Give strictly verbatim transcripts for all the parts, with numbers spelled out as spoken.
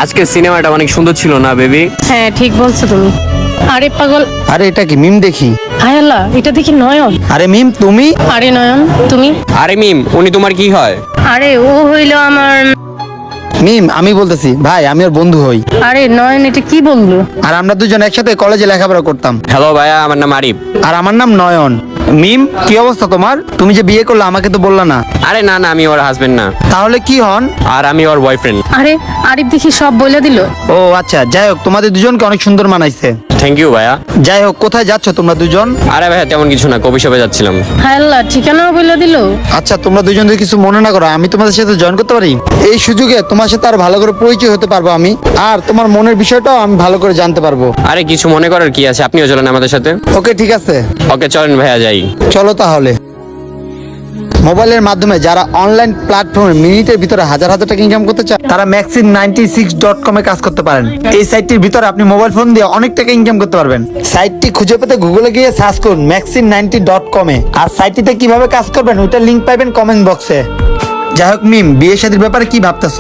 আজকে সিনেমাটা অনেক সুন্দর ছিল না বেবি? হ্যাঁ ঠিক বলছো তুমি। আরে পাগল, আরে এটা কি মিম দেখি? হায় আল্লাহ, এটা দেখি নয়ন। আরে মিম তুমি? আরে নয়ন তুমি? আরে মিম, উনি তোমার কি হয়? আরে ও হইলো আমার। মিম আমি বলতেছি ভাই, আমি ওর বন্ধু হই। আরে নয়ন, এটা কি বললো? আর আমরা দুজন একসাথে কলেজে লেখাপড়া করতাম। হ্যালো ভাইয়া, আমার নাম আরিফ। আর আমার নাম নয়ন। মিম কি অবস্থা তোমার? তুমি যে বিয়ে করলে আমাকে তো বললা না। আরে না না, আমি ওর হাজবেন্ড না, তাহলে কি হন? আর আমি ওর বয়ফ্রেন্ড। আরে আরিফ দেখি সব বলে দিল। ও আচ্ছা, যাই হোক তোমাদের দুজনকে অনেক সুন্দর মানাইছে। থ্যাংক ইউ ভাইয়া। যাই হোক, কোথায় যাচ্ছ তোমরা দুজন? আরে ভাইয়া তেমন কিছু না, কফি শপে যাচ্ছিলাম। হায় আল্লাহ, ঠিকানাও বলে দিল। আচ্ছা তোমরা দুজন যদি কিছু মনে না করো, আমি তোমাদের সাথে জয়েন করতে পারি? এই সুযোগে তোমার সাথে আর ভালো করে পরিচয় হতে পারবো আমি, আর তোমার মনের বিষয়টাও আমি ভালো করে জানতে পারবো। আরে কিছু মনে করার কি আছে, আপনিও চলেন আমাদের সাথে। ওকে ঠিক আছে, ওকে চলেন ভাইয়া, যাই। চলো তাহলে। মোবাইলের মাধ্যমে যারা অনলাইন প্ল্যাটফর্মে মিনিটের ভিতরে হাজার হাজার টাকা ইনকাম করতে চায়, তারা ম্যাক্সিম নাইনটি সিক্স ডট কমে কাজ করতে পারেন। এই সাইটটির ভিতরে আপনি মোবাইল ফোন দিয়ে অনেক টাকা ইনকাম করতে পারবেন। সাইটটি খুঁজে পেতে গুগলে গিয়ে সার্চ করুন ম্যাক্সিম নাইনটি ডট কমে। আর সাইটটিতে কিভাবে কাজ করবেন ওইটার লিংক পাবেন কমেন্ট বক্সে। যাই হোক মিম, বিয়ে শাদীর ব্যাপারে কি ভাবতেছ?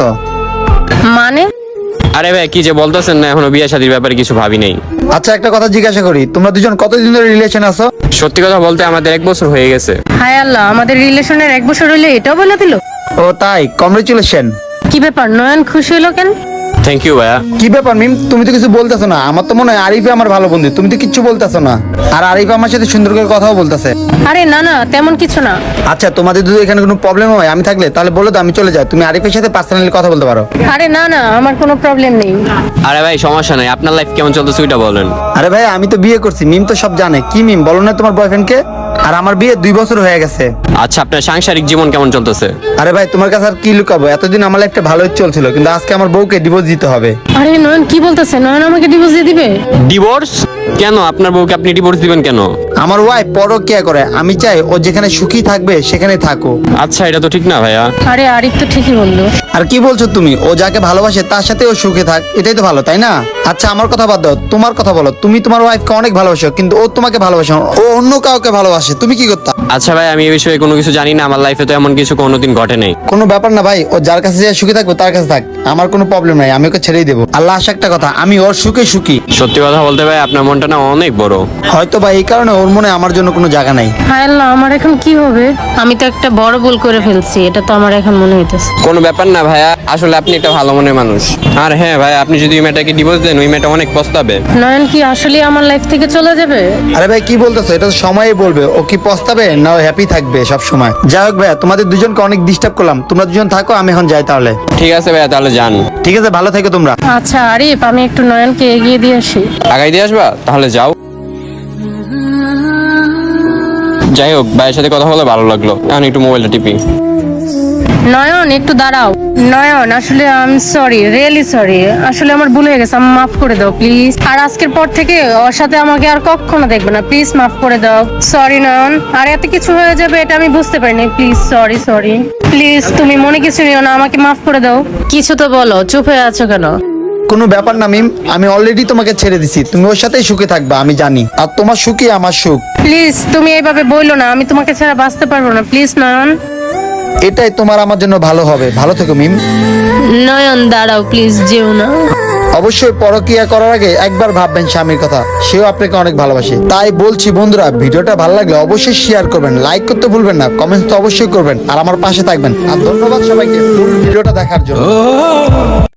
মানে? আরে ভাই কি যে বলতেছেন না, এখনো বিয়ে শাদীর ব্যাপারে কিছু ভাবি নাই। আচ্ছা একটা কথা জিজ্ঞাসা করি, তোমরা দুজন কতদিন ধরে রিলেশন আছো? সত্যি কথা বলতে আমাদের এক বছর হয়ে গেছে। হায় আল্লাহ, আমাদের রিলেশনের এক বছর হইলে এটাও বলে দিল। ও তাই, কংগ্রেচুলেশন। কি ব্যাপার, নয়ন খুশি হলো কেন? থ্যাংক ইউ ভাইয়া। কি ব্যাপার মিম, তুমি তো কিছু বলতেছো না? আমার তো মনে হয় আরিফে আমার ভালো বন্ধু, তুমি তো কিচ্ছু বলতেছো না। আর আরিফ আমার সাথে সুন্দর করে কথাও বলতেছে। আরে না না, তেমন কিছু না। আচ্ছা তোমাদের যদি এখানে কোনো প্রবলেম হয় আমি থাকলে তাহলে বলো তো, আমি চলে যাই, তুমি আরিফের সাথে পার্সোনালি কথা বলতে পারো। আরে না না, আমার কোনো প্রবলেম নেই। আরে ভাই সমস্যা নাই, আপনার লাইফ কেমন চলতেছে ওইটা বলেন। আরে ভাই আমি তো বিয়ে করছি, মিম তো সব জানে। কি মিম বলো না তোমার বয়ফ্রেন্ডকে? আর আমার বিয়ে দুই বছর হয়ে গেছে। আচ্ছা আপনার সাংসারিক জীবন কেমন চলতেছে? আরে ভাই তোমার কাছে আর কি লুকাবো, এতদিন আমার একটা ভালোই চলছিল, কিন্তু আজকে আমার বউকে ডিভোর্স দিতে হবে। আরে নয়ন কি বলতেছে? নয়ন আমাকে ডিভোর্স দিয়ে দিবে? ডিভোর্স? কেন আপনার বউকে আপনি ডিভোর্স দিবেন কেন? আমার ওয়াইফ পরকিয়া করে, আমি চাই ও যেখানে সুখী থাকবে সেখানে থাকো। আচ্ছা এটা তো ঠিক না ভাইয়া। আরে আরিফ তো ঠিকই বললো। আর কি বলছো তুমি? ও যাকে ভালোবাসে তার সাথে ও সুখে থাক, এটাই তো ভালো, তাই না? আচ্ছা আমার কথা বাদ দাও, তোমার কথা বলো। তুমি তোমার ওয়াইফকে অনেক ভালোবাসো, কিন্তু ও তোমাকে ভালোবাসে না, ও অন্য কাউকে ভালোবাসে, তুমি কি করতা? আচ্ছা ভাই আমি এই বিষয়ে কোনো কিছু জানি না, আমার লাইফে তো এমন কিছু কোনোদিন ঘটে নাই। কোনো ব্যাপার না ভাই, ও যার কাছে যে সুখী থাকবে তার কাছে থাক, আমার কোনো প্রবলেম নাই, আমি ওকে ছেড়েই দেবো। আর লাস্ট একটা কথা, আমি ওর সুখে সুখী। সত্যি কথা বলতে ভাই আপনার মনটা না অনেক বড়। হয়তো বা এই কারণে ওর মনে আমার জন্য কোনো জায়গা নাই। হায় আল্লাহ, আমার এখন কি হবে? আমি তো একটা বড় ভুল করে ফেলছি, এটা তো আমার এখন মনে হইতেছে। কোনো ব্যাপার না ভাইয়া, আসলে আপনি একটা ভালো মনের মানুষ। আর হ্যাঁ ভাই, আপনি যদি ওই মেয়েটাকে ডিভোর্স দেন ওই মেয়েটা অনেক পস্তাবে। নয়ন কি আসলে আমার লাইফ থেকে চলে যাবে? আরে ভাই কি বলতেছো? এটা তো সময়ই বলবে ও কি পস্তাবে না হ্যাপি থাকবে সব সময়। যাই হোক ভাইয়া, তোমাদের দুজনকে অনেক ডিস্টার্ব করলাম, তোমরা দুজন থাকো, আমি এখন যাই তাহলে। ঠিক আছে ভাইয়া, তাহলে যান। ঠিক আছে, ভালো থেকো তোমরা। আচ্ছা আরিফ, আমি একটু নয়নকে এগিয়ে দিয়ে আসি। আগাই দিয়ে আসবা? তাহলে যাও। যাই হোক, ভাইয়ের সাথে কথা বলে ভালো লাগলো, এখন একটু মোবাইলটা টিপি। নয়ন একটু দাঁড়াও। নয়ন আসলে I am sorry, really sorry, আসলে আমার ভুল হয়ে গেছে, আমি মাফ করে দাও প্লিজ। আর আজকের পর থেকে ওর সাথে আমাকে আর কখনো দেখবে না, প্লিজ মাফ করে দাও। সরি নয়ন, আর এত কিছু হয়ে যাবে এটা আমি বুঝতে পারিনি, প্লিজ সরি সরি প্লিজ, তুমি মনে কিছু নিও না, আমাকে মাফ করে দাও। কিছু তো বলো, চুপ হয়ে আছো কেন? কোনো ব্যাপার না মিম, আমি অলরেডি তোমাকে ছেড়ে দিছি, তুমি ওর সাথেই সুখে থাকবা আমি জানি, আর তোমার সুখই আমার সুখ। প্লিজ তুমি এইভাবে বইলো না, আমি তোমাকে ছাড়া বাঁচতে পারবো না, প্লিজ নয়ন। এটাই তোমার আমার জন্য ভালো হবে, ভালো থেকো মিম। নয়ন দাঁড়াও প্লিজ, যেও না। অবশ্যই পরকিয়া করার আগে একবার ভাববেন স্বামীর কথা, সেও আপনাকে অনেক ভালোবাসে। তাই বলছি বন্ধুরা, ভিডিওটা ভালো লাগলে অবশ্যই শেয়ার করবেন, লাইক করতে ভুলবেন না, কমেন্টস তো অবশ্যই করবেন, আর আমার পাশে থাকবেন। আর ধন্যবাদ সবাইকে ফুল ভিডিওটা দেখার জন্য।